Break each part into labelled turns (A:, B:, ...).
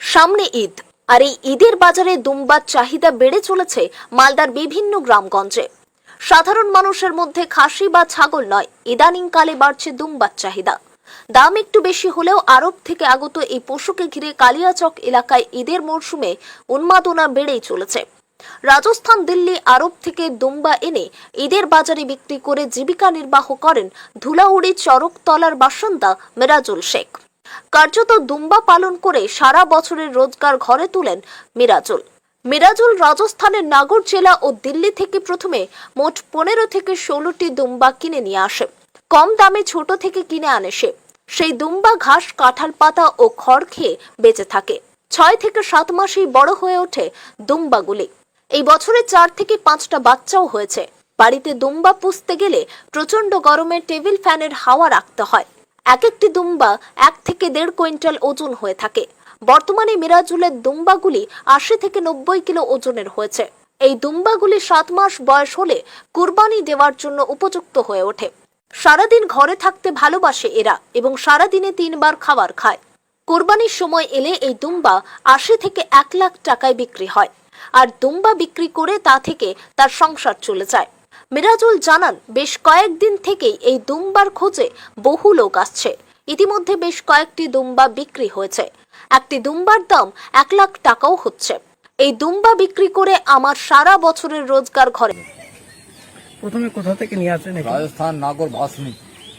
A: সামনে ঈদ, আর এই ঈদের বাজারে দুম্বার চাহিদা বেড়ে চলেছে মালদার বিভিন্ন গ্রামগঞ্জে। সাধারণ মানুষের মধ্যে খাসি বা ছাগল নয়, ইদানিংকালে বাড়ছে দুম্বার চাহিদা। দাম একটু বেশি হলেও আরব থেকে আগত এই পশুকে ঘিরে কালিয়াচক এলাকায় ঈদের মরশুমে উন্মাদনা বেড়েই চলেছে। রাজস্থান, দিল্লি, আরব থেকে দুম্বা এনে ঈদের বাজারে বিক্রি করে জীবিকা নির্বাহ করেন ধুলাউড়ি চরকতলার বাসিন্দা মিরাজুল শেখ। কার্যত দুম্বা পালন করে সারা বছরের রোজগার ঘরে তুলেন মিরাজুল রাজস্থানের নাগর জেলা ও দিল্লি থেকে প্রথমে মোট 15 থেকে 16টি দুম্বা কিনে নিয়ে আসে। কম দামে ছোট থেকে কিনে আনে সে। সেই দুম্বা ঘাস, কাঁঠাল পাতা ও খড় খেয়ে বেঁচে থাকে। 6 থেকে 7 মাসেই বড় হয়ে ওঠে দুম্বাগুলি। এই বছরে 4 থেকে 5টা বাচ্চাও হয়েছে। বাড়িতে দুম্বা পুষতে গেলে প্রচন্ড গরমে টেবিল ফ্যানের হাওয়া রাখতে হয়। এক একটি দুম্বা 1 থেকে 1.5 কুইন্টাল ওজন হয়ে থাকে। বর্তমানে মিরাজুলের দুম্বাগুলি 80 থেকে 90 কিলো ওজনের হয়েছে। এই দুম্বাগুলি 7 মাস বয়স হলে কুরবানি দেওয়ার জন্য উপযুক্ত হয়ে ওঠে। সারাদিন ঘরে থাকতে ভালোবাসে এরা এবং সারাদিনে 3 বার খাবার খায়। কুরবানির সময় এলে এই দুম্বা 80 থেকে 1 লাখ টাকায় বিক্রি হয়, আর দুম্বা বিক্রি করে তা থেকে তার সংসার চলে যায়। মিরাজুল জানান, বেশ কয়েকদিন থেকেই এই দুম্বার খোঁজে বহু লোক আসছে। ইতিমধ্যে বেশ কয়েকটি দুম্বা বিক্রি হয়েছে। একটি দুম্বার দাম 1 লাখ টাকাও হচ্ছে। এই দুম্বা বিক্রি করে আমার সারা বছরের রোজগার ঘরে।
B: প্রথমে কোথা থেকে নিয়ে আসলেন?
C: রাজস্থান, নাগর, ভাসনি।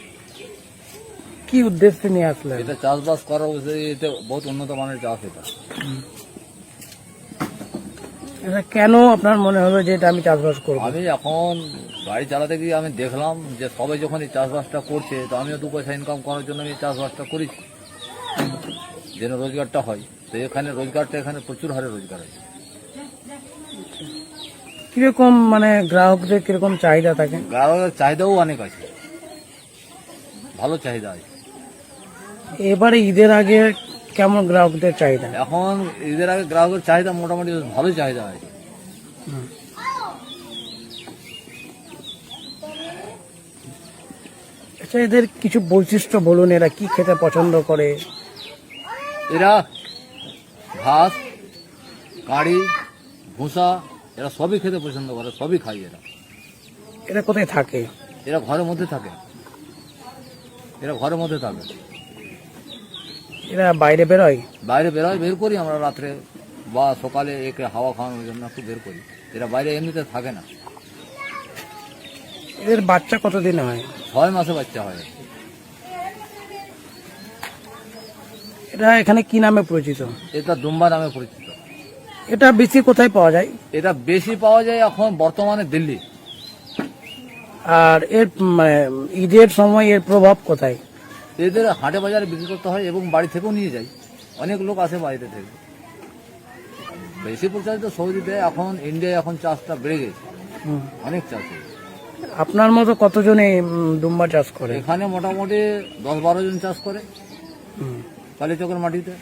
B: কি উদ্দেশ্যে নিয়ে আসলেন?
C: এটা চাষবাস করা এতে বহুত উন্নত মানের চাষ।
B: এটা কেন আপনার মনে হলো যে এটা আমি চাষবাস করব?
C: আমি এখন গাড়ি চালাতে গিয়ে আমি দেখলাম যে সবাই যখন এই চাষবাসটা করছে, তো আমিও 2 পয়সা ইনকাম করার জন্য আমি চাষবাসটা করেছি, যেন রোজগারটা হয়। তো এখানে রোজগারটা এখানে প্রচুর হারে রোজগার আছে।
B: কিরকম মানে গ্রাহকদের কিরকম চাহিদা থাকে?
C: গ্রাহকের চাহিদাও অনেক আছে, ভালো চাহিদা আছে।
B: এবারে ঈদের আগে কেমন গ্রাহকদের চাহিদা?
C: এখন ঈদের আগে গ্রাহকের চাহিদা মোটামুটি ভালো চাহিদা আছে।
B: আচ্ছা, এদের কিছু বৈশিষ্ট্য বলুন, এরা কি খেতে পছন্দ করে?
C: এরা ঘাস, কাঁড়ি, ভুসা এরা সবই খেতে পছন্দ করে, সবই খায় এরা।
B: এরা কোথায় থাকে?
C: এরা ঘরের মধ্যে থাকে। এরা ঘরের মধ্যে থাকে।
B: এরা বাইরে বেরোয়?
C: বাইরে বেরোয়, বের করি আমরা রাত্রে বা সকালে একে হাওয়া খাওয়ানোর জন্য একটু বের করি। এরা বাইরে এমনিতে থাকে না।
B: এদের বাচ্চা কতদিন হয়?
C: 6 মাসে বাচ্চা হয়।
B: এটা এখানে কি নামে পরিচিত?
C: এটা দুম্বা নামে পরিচিত।
B: এটা বেশি কোথায় পাওয়া যায়?
C: এটা বেশি পাওয়া যায় এখন বর্তমানে দিল্লি।
B: আর এর মানে ঈদের সময় এর প্রভাব কোথায়?
C: এদের হাটে বাজারে বিক্রি করতে হয় এবং বাড়ি থেকেও নিয়ে যায়। অনেক লোক আসে বাড়িতে থেকে। বেশি প্রচারিত সৌদিতে, এখন ইন্ডিয়ায় এখন চাষটা বেড়ে গেছে, অনেক চাষ হয়েছে।
B: আপনার মতো কতজন এই দুম্বা চাষ করে?
C: এখানে মোটামুটি 10-12 জন চাষ করে কালীচকের মাটিতে।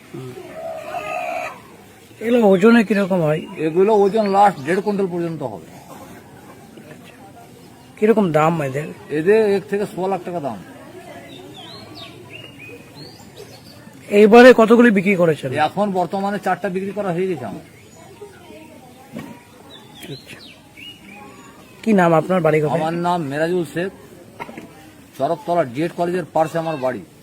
B: এগুলো ওজনে কিরকম হয়?
C: এগুলো ওজন লাস্ট 1.5 কুইন্টাল পর্যন্ত হবে।
B: কিরকম দাম এদের?
C: এদের 1 থেকে 1.5 লাখ টাকা দাম।
B: এইবারে কতগুলি বিক্রি করেছেন?
C: এখন বর্তমানে 4টা বিক্রি করা হয়ে গেছে আমার।
B: আচ্ছা। কি নাম আপনার? বাড়ি কোথায়?
C: আমার নাম মিরাজুল শেখ। চরকতলা ডিএড কলেজের পাশে আমার বাড়ি।